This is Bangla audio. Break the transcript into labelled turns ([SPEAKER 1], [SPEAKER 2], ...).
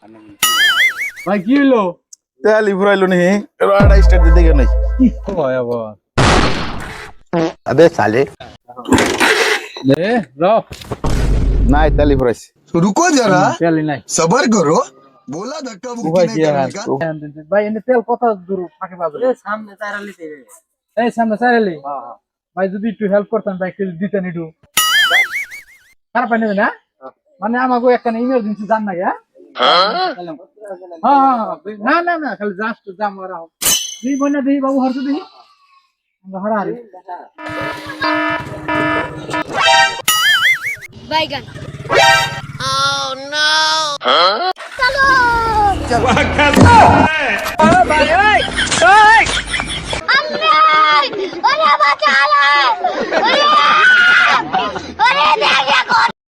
[SPEAKER 1] ভাই কি হলো?
[SPEAKER 2] তেল ফুরাইলো নি রাডা স্টার্ট দিতে গেল নাই
[SPEAKER 1] কি কয় আবার?
[SPEAKER 2] আবে সালে
[SPEAKER 1] রে রফ
[SPEAKER 2] নাই তেল ফুরাইছে
[SPEAKER 3] रुको जरा
[SPEAKER 1] তেলই নাই।
[SPEAKER 3] सबर करो बोला धक्का
[SPEAKER 1] ও
[SPEAKER 3] मुक्की
[SPEAKER 1] ভাই
[SPEAKER 3] नहीं
[SPEAKER 1] কি
[SPEAKER 3] करने
[SPEAKER 1] আর
[SPEAKER 3] का
[SPEAKER 1] ভাই এনে তেল কত দূর ফাঁকে পাবে? এই সামনে চাইরালি। ভাই যদি একটু হেল্প করতেন ভাই একটু দিতেন একটু। খারাপ পাই না? মানে আমাকে একটা ইমার্জেন্সি জান না হ্যাঁ? না খালি জাস্ট জাম করা হোক। তুই বন্যা দিই বাবু হরতে দিই আমরা হরারি
[SPEAKER 4] बैगन oh no चलो अम्मी अरे बचा ले